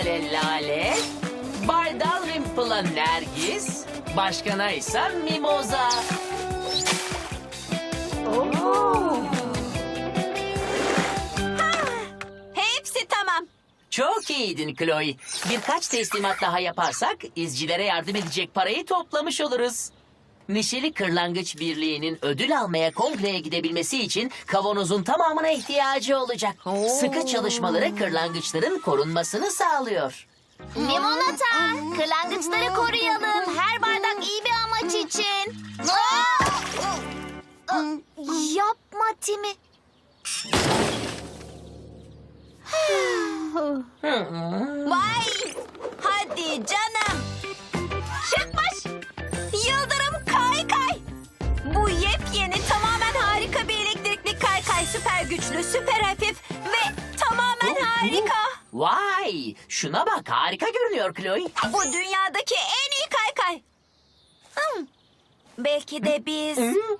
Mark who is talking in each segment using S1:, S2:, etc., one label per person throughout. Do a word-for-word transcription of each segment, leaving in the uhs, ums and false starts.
S1: Kemal'e Lale, Bay Dalrymple'a Nergis, başkana ise Mimoza.
S2: Hepsi tamam.
S1: Çok iyiydin Chloe. Birkaç teslimat daha yaparsak izcilere yardım edecek parayı toplamış oluruz. Neşeli Kırlangıç Birliği'nin ödül almaya kongreye gidebilmesi için kavanozun tamamına ihtiyacı olacak. Sıkı çalışmaları kırlangıçların korunmasını sağlıyor.
S3: Limonata, kırlangıçları koruyalım. Her bardak iyi bir amaç için. Aa! Aa, Yapma Timi.
S2: Vay! Hadi canım. Şıkmış. Yıldırım kaykay. Bu yepyeni tamamen harika bir elektrikli kaykay. Süper güçlü, süper hafif ve tamamen harika.
S1: Vay! Şuna bak, harika görünüyor Chloe.
S2: Bu dünyadaki en iyi kaykay. Hmm. Belki de biz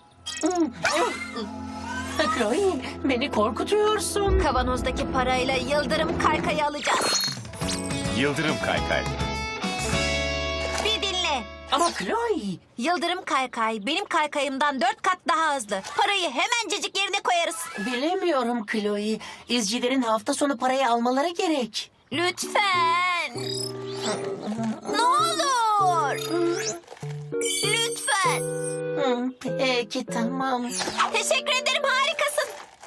S1: Chloe, beni korkutuyorsun.
S2: kavanozdaki parayla yıldırım kaykayı alacağız.
S4: Yıldırım kaykay.
S2: Bir dinle.
S1: Ama Chloe...
S2: Yıldırım kaykay benim kaykayımdan dört kat daha hızlı. Parayı hemencecik yerine koyarız.
S1: Bilemiyorum Chloe. İzcilerin hafta sonu parayı almaları gerek.
S2: Lütfen. Ne olur. Lütfen.
S1: Hı, Peki, tamam.
S2: Teşekkür ederim, harikasın.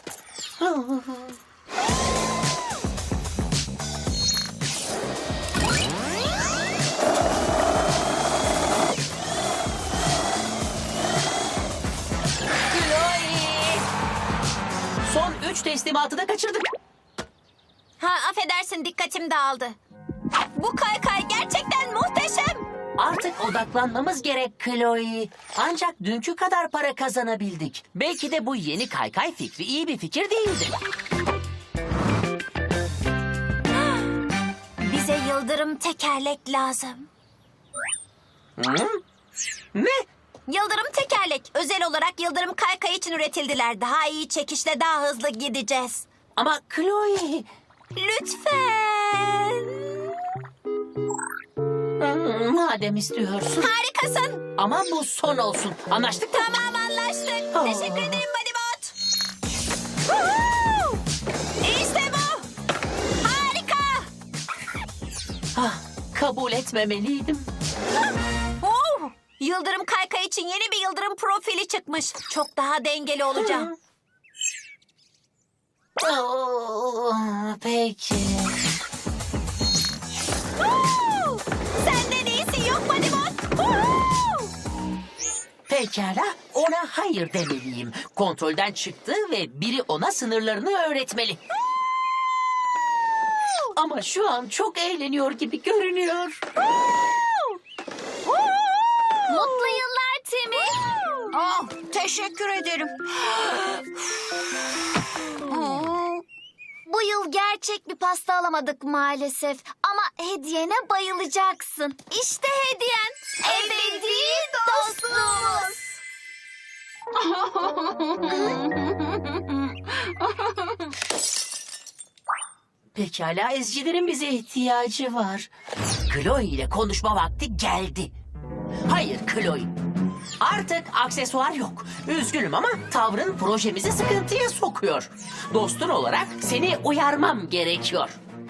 S1: Chloe! Son üç teslimatı da kaçırdık.
S2: Ha, affedersin, dikkatim dağıldı. Bu kaykay gerçekten muhteşem.
S1: Artık odaklanmamız gerek Chloe. Ancak dünkü kadar para kazanabildik. Belki de bu yeni kaykay fikri iyi bir fikir değildi.
S2: Bize yıldırım tekerlek lazım.
S1: Hı? Ne?
S2: Yıldırım tekerlek özel olarak yıldırım kaykay için üretildiler. Daha iyi çekişle daha hızlı gideceğiz.
S1: Ama Chloe...
S2: Lütfen.
S1: Hı, Madem istiyorsun.
S2: Harikasın.
S1: Ama bu son olsun. Anlaştık mı?
S2: Tamam, anlaştık.
S1: Aa.
S2: Teşekkür ederim Bodybot. Woohoo! İşte bu. Harika.
S1: Ah, kabul etmemeliydim.
S2: Oh! Yıldırım kaykay için yeni bir yıldırım profili çıkmış. Çok daha dengeli olacağım.
S1: Oo, peki.
S2: Woo! Senden iyisi yok Bodybot. Woohoo!
S1: Pekala, ona hayır demeliyim. Kontrolden çıktı ve biri ona sınırlarını öğretmeli. Ama şu an çok eğleniyor gibi görünüyor.
S3: Mutlu yıllar Timi.
S2: Oh, teşekkür ederim.
S3: Bu yıl gerçek bir pasta alamadık maalesef. Ama hediyene bayılacaksın. İşte hediyen. Ebedi dostluğumuz.
S1: Pekala, ezcilerin bize ihtiyacı var. Chloe ile konuşma vakti geldi. Hayır Chloe. Artık aksesuar yok. Üzgünüm ama tavrın projemizi sıkıntıya sokuyor. Dostun olarak seni uyarmam gerekiyor.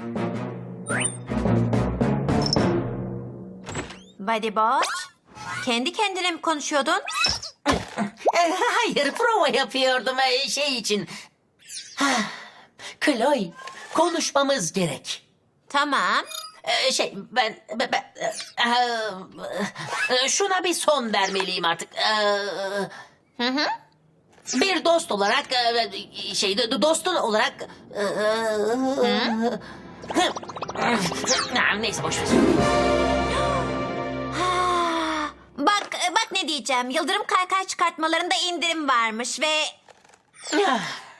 S2: Bodybot, kendi kendine mi konuşuyordun?
S1: Eh, Hayır, prova yapıyordum eh, şey için. Hah, Chloe, konuşmamız gerek.
S2: Tamam.
S1: Eh, Şey, ben, ben, ben- eh, eh, şuna bir son vermeliyim artık. Eh,
S2: Hı hı.
S1: Bir dost olarak, eh, şey, do- dostun olarak. eh, eh, Neyse, boş ver.
S2: Ha, bak, bak ne diyeceğim. Yıldırım kaykay çıkartmalarında indirim varmış ve...
S1: Ah.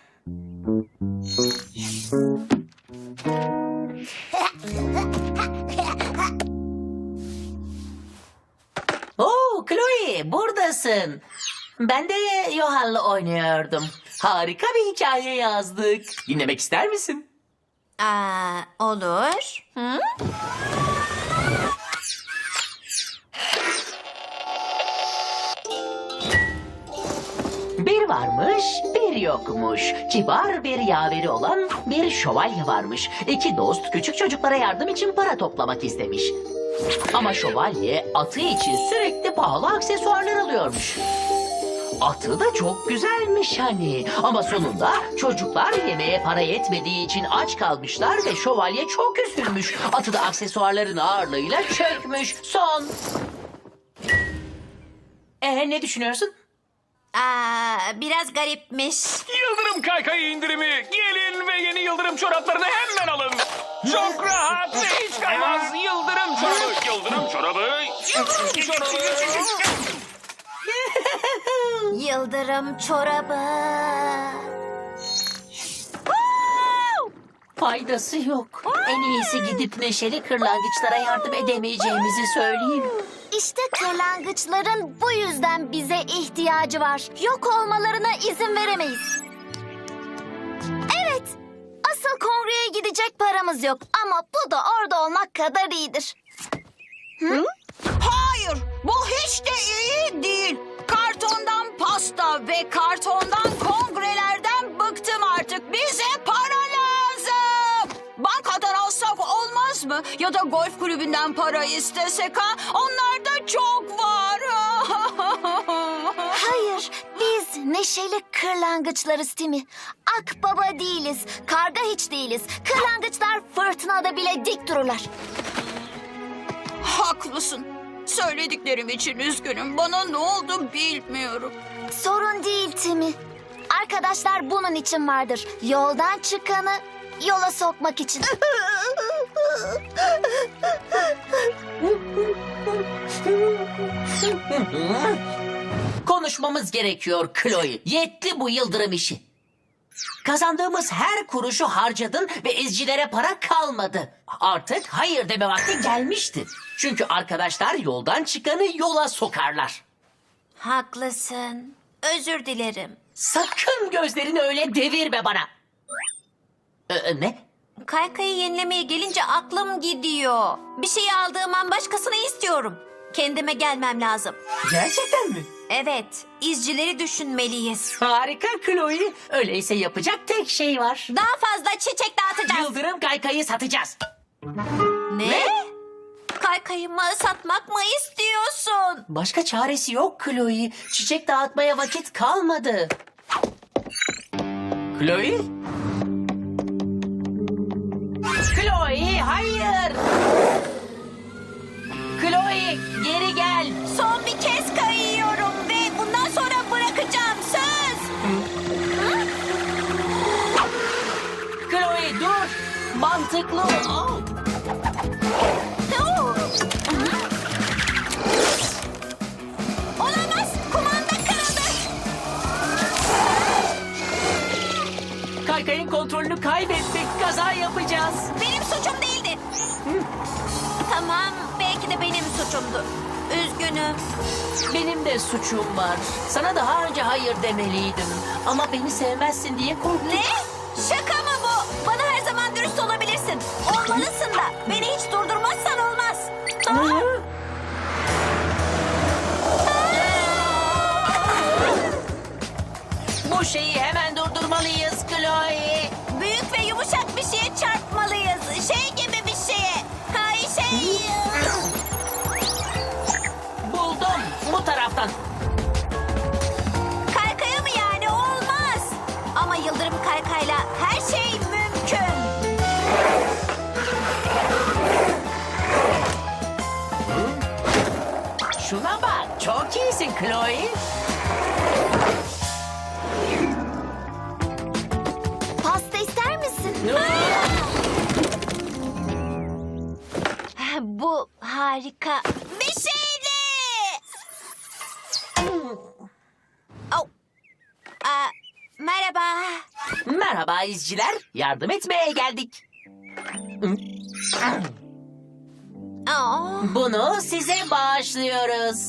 S1: Oo, Chloe, buradasın. Ben de Yohan'la oynuyordum. Harika bir hikaye yazdık. Dinlemek ister misin?
S2: Aa, olur. Hı?
S1: Bir varmış, bir yokmuş. Kibar bir yaveri olan bir şövalye varmış. İki dost küçük çocuklara yardım için para toplamak istemiş. Ama şövalye atı için sürekli pahalı aksesuarlar alıyormuş. Atı da çok güzelmiş hani. Ama sonunda çocuklar yemeğe para yetmediği için aç kalmışlar ve şövalye çok üzülmüş. Atı da aksesuarların ağırlığıyla çökmüş. Son. Ee, ne düşünüyorsun?
S2: Aa, biraz garipmiş.
S4: Yıldırım kaykayı indirimi. Gelin ve yeni yıldırım çoraplarını hemen alın. Çok rahat ve hiç kaymaz. Yıldırım çorabı. Yıldırım çorabı. Yıldırım çorabı.
S2: Yıldırım çorabı.
S1: Faydası yok. En iyisi gidip neşeli kırlangıçlara yardım edemeyeceğimizi söyleyeyim.
S3: İşte kırlangıçların bu yüzden bize ihtiyacı var. Yok olmalarına izin veremeyiz. Evet, asıl kongreye gidecek paramız yok. Ama bu da orada olmak kadar iyidir.
S5: Hayır, bu hiç de iyi değil. Kartondan pasta ve kartondan kongrelerden bıktım artık. Bize para lazım. Bankadan alsak olmaz mı? Ya da golf kulübünden para istesek ha? Onlarda çok var.
S3: Hayır, biz neşeli kırlangıçlarız Timi. Akbaba değiliz, karga hiç değiliz. Kırlangıçlar fırtınada bile dik dururlar.
S5: Haklısın. Söylediklerim için üzgünüm. Bana ne oldu bilmiyorum.
S3: Sorun değil Timi. Arkadaşlar bunun için vardır. Yoldan çıkanı yola sokmak için.
S1: Konuşmamız gerekiyor Chloe. Yetti bu yıldırım işi. Kazandığımız her kuruşu harcadın ve izcilere para kalmadı. Artık hayır deme vakti gelmişti. Çünkü arkadaşlar yoldan çıkanı yola sokarlar.
S2: Haklısın. Özür dilerim.
S1: Sakın gözlerini öyle devirme bana. Ee, ne?
S2: Kaykayı yenilemeye gelince aklım gidiyor. Bir şey aldığım an başkasını istiyorum. Kendime gelmem lazım.
S1: Gerçekten mi?
S2: Evet, izcileri düşünmeliyiz.
S1: Harika Chloe. Öyleyse yapacak tek şey var.
S2: Daha fazla çiçek dağıtacağız.
S1: Yıldırım kaykayı satacağız.
S2: Ne? Kaykayımı satmak mı istiyorsun?
S1: Başka çaresi yok Chloe. Çiçek dağıtmaya vakit kalmadı. Chloe? Chloe hayır. Chloe geri gel.
S2: Son bir kez kayıyorum ve bundan sonra bırakacağım. Söz.
S1: Chloe dur. Mantıklı ol.
S2: Oo. Olamaz. Kumanda kırıldı.
S1: Kaykayın kontrolünü kaybettik. Kaza yapacağız.
S2: Benim suçum değildi. Tamam, belki de benim suçumdu. Üzgünüm.
S1: Benim de suçum var. Sana daha önce hayır demeliydim. Ama beni sevmezsin diye korktum.
S2: Ne? Şaka mı bu? Bana her zaman dürüst olabilirsin. Olmalısın da. Beni hiç durdurmazsan olmaz. Aa!
S1: Bu şeyi hemen durdurmalıyız Chloe.
S2: Büyük ve yumuşak bir şeye çarpmalıyız. Şey gibi bir şeye. Hay şey.
S1: Buldum. Bu taraftan.
S2: Kaykaya mı yani? Olmaz. Ama yıldırım kaykayla her şey mümkün.
S1: Şuna bak. Çok iyisin Chloe.
S3: Pasta ister misin?
S2: Bu harika bir şeydi. Oh. Aa, merhaba.
S1: Merhaba izciler. Yardım etmeye geldik.
S2: Aa.
S1: Bunu size bağışlıyoruz.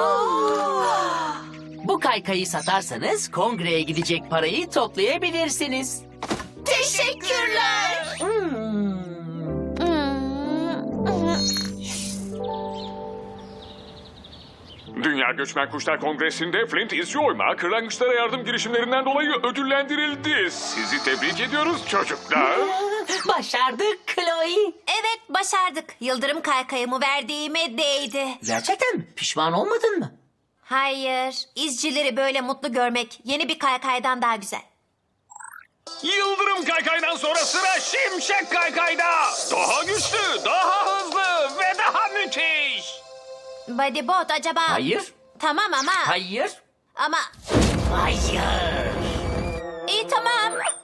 S1: Bu kaykayı satarsanız kongreye gidecek parayı toplayabilirsiniz.
S2: Teşekkürler.
S1: Hmm,
S4: Dünya Göçmen Kuşlar Kongresi'nde Flint izci oyma kırlangıçlara yardım girişimlerinden dolayı ödüllendirildi. Sizi tebrik ediyoruz çocuklar.
S1: Başardık Chloe.
S2: Evet, başardık. Yıldırım kaykayımı verdiğime değdi.
S1: Gerçekten mi? Pişman olmadın mı?
S2: Hayır, izcileri böyle mutlu görmek yeni bir kaykaydan daha güzel.
S4: Yıldırım kaykaydan sonra sıra Şimşek kaykayda. Daha güçlü, daha hızlı ve daha müthiş.
S2: Bodybot acaba...
S1: Hayır.
S2: Tamam ama...
S1: Hayır.
S2: Ama...
S1: Hayır.
S2: İyi tamam.